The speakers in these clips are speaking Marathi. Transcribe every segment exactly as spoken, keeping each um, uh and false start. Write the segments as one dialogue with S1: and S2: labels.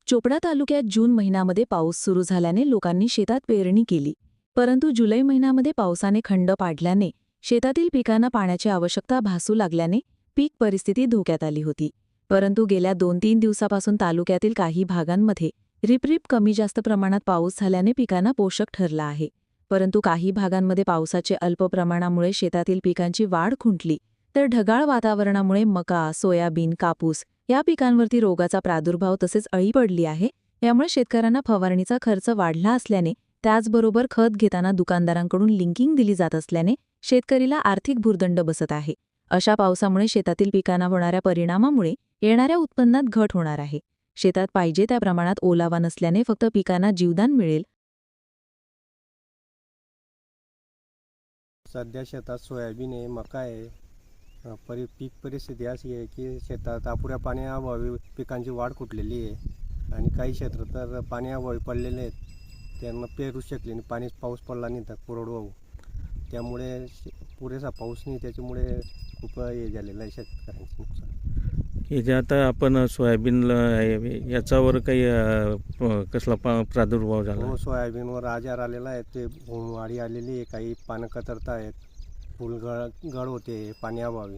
S1: चोपडा तालुक्यात जून महिन्यामध्ये पाऊस सुरू झाल्याने लोकांनी शेतात पेरणी केली. परंतु जुलै महिन्यामध्ये पावसाने खंड पाडल्याने शेतातील पिकांना पाण्याची आवश्यकता भासू लागल्याने पीक परिस्थिती धोक्यात आली होती. परंतु गेल्या दोन तीन दिवसापासून तालुक्यातील काही भागांमध्ये रिपरिप कमी जास्त प्रमाणात पाऊस झाल्याने पिकांना पोषक ठरला आहे. परंतु काही भागांमध्ये पावसाचे अल्प प्रमाणामुळे शेतातील पिकांची वाढ खुंटली, तर ढगाळ वातावरणामुळे मका, सोयाबीन, कापूस या पिकांवरती रोगाचा प्रादुर्भाव तसेच अळी पडली आहे. यामुळे शेतकऱ्यांना फवारणीचा खर्च वाढला असल्याने त्याचबरोबर खत घेताना दुकानदारांकडून लिंकिंग दिली जात असल्याने शेतकरीला आर्थिक भुर्दंड बसत आहे. अशा पावसामुळे शेतातील पिकांना होणाऱ्या परिणामामुळे येणाऱ्या उत्पन्नात घट होणार आहे. शेतात पाहिजे त्या प्रमाणात ओलावा नसल्याने फक्त पिकांना जीवदान मिळेल.
S2: सध्या शेतात सोयाबीन आहे, मका आहे. अ, परि पीक परिस्थिती अशी आहे की शेतात अपुऱ्या पाण्याअभावी पिकांची वाढ कुठलेली आहे आणि काही क्षेत्र तर पाण्याअभावी पडलेले आहेत. त्यांना पेरू शकले नाही, पाणी पाऊस पडला नाही तर कोरडवाहू. त्यामुळे शे- पुरेसा पाऊस नाही, त्याच्यामुळे खूप हे झालेलं आहे शेतकऱ्यांचं नुकसान.
S3: हे जे आता आपण सोयाबीनला आहे, याच्यावर काही अ, प- कसला पा प्रादुर्भाव झाला
S2: हो, सोयाबीनवर आजार आलेला आहे, ते वाढी आलेली आहे, काही पानं कतरत आहेत, फुल गळ गळ होते पाण्याअभावी.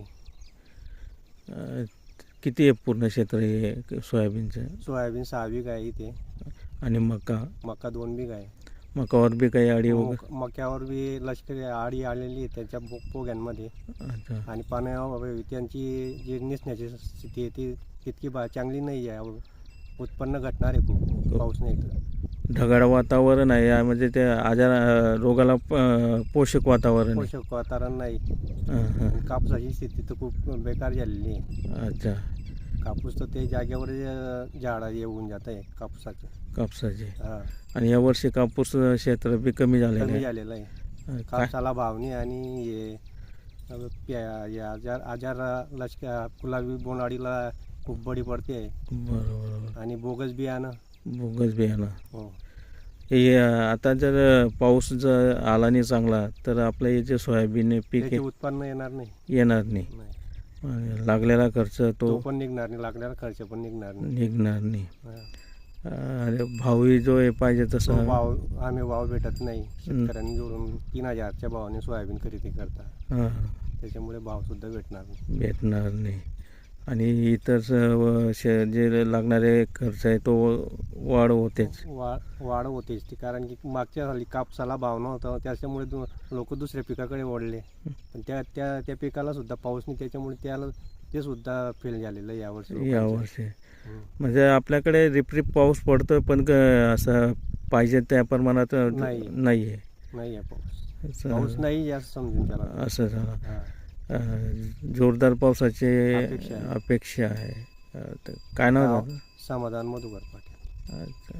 S3: अ, किती आहे पूर्ण क्षेत्र हे सोयाबीनचं?
S2: सोयाबीन सहा बीघ आहे इथे,
S3: आणि मका
S2: मका दोन बीघ आहे.
S3: मकावर बी काही अडी वगैरे?
S2: मक- मक्यावर बी लष्करी आडी आलेली आहे त्याच्या पो पोग्यांमध्ये,
S3: अच्छा.
S2: आणि पाण्याअभावी त्यांची जी निसण्याची स्थिती आहे ती तितकी बा चांगली नाही आहे. उत्पन्न घटणार आहे खूप पाऊस नाही तर.
S3: ढगाळ वातावरण आहे, यामध्ये ते आजार अ, रोगाला प- पोषक वातावरण आहे.
S2: पोषक वातावरण नाही.
S3: हां, हां.
S2: आणि कापसाची स्थिती तर खूप बेकार झालेली आहे.
S3: अच्छा.
S2: कापूस तर ते जागेवर अ, झाडं येऊन जात आहे कापसाचं.
S3: कापसाचे.
S2: हा,
S3: आणि यावर्षी कापूस क्षेत्र बी कमी झालेलं
S2: कमी
S3: आहे.
S2: झालेलं आहे.
S3: अ, काय
S2: कापसाला भाव नाही, आणि हे अ, प्या- हे आजार आजार लष्कर गुलाबी बोंडअळीला खूप बळी पडते आहे.
S3: बरोबर.
S2: आणि बोगस बियाणं.
S3: बोगस बियाणं.
S2: हो,
S3: हे अ, आता जर पाऊस जर आला नाही चांगला तर आपलं हे जे सोयाबीन पीक
S2: त्याचे
S3: आहे,
S2: उत्पन्न येणार नाही.
S3: येणार नाही.
S2: नाही.
S3: आणि लागलेला खर्च
S2: तो
S3: तो
S2: पण निघणार नाही, लागणारा खर्च पण निघणार नाही.
S3: निघणार नाही.
S2: हा.
S3: आणि भावही जो आहे पाहिजे
S2: तो
S3: तसा
S2: भाव आम्ही भाव भेटत नाही. शेतकऱ्यांनी जोडून तीन हजारच्या भावाने सोयाबीन खरेदी करता,
S3: हां,
S2: त्याच्यामुळे भाव सुद्धा भेटणार नाही.
S3: भेटणार नाही. आणि इतर सर्व शे जे लागणारे खर्च आहे तो वाढ होतेच.
S2: वा वाढ होतेच ती, कारण की मागच्या साली कापसाला भाव नव्हता, त्याच्यामुळे दु लोक दुसऱ्या पिकाकडे वळले. पण त्या त्या त्या पिकाला सुद्धा पाऊस नाही, त्याच्यामुळे त्याला ते सुद्धा फेल झालेलं आहे यावर्षी लोकांचं.
S3: यावर्षी
S2: हं.
S3: म्हणजे आपल्याकडे रिपरिप पाऊस पडतोय, पण क- असं पाहिजे त्या प्रमाणात
S2: नाही.
S3: नाही आहे.
S2: नाही आहे पाऊस.
S3: असं-
S2: पाऊस नाही जास्त समजून त्याला.
S3: असं झालं.
S2: हा.
S3: अ, जोरदार पावसाची
S2: अपेक्षा आहे.
S3: अपेक्षा आहे. अ, तर काय नाव
S2: नाव
S3: झालं?
S2: समाधान मधुकर पाटील.
S3: अच्छा.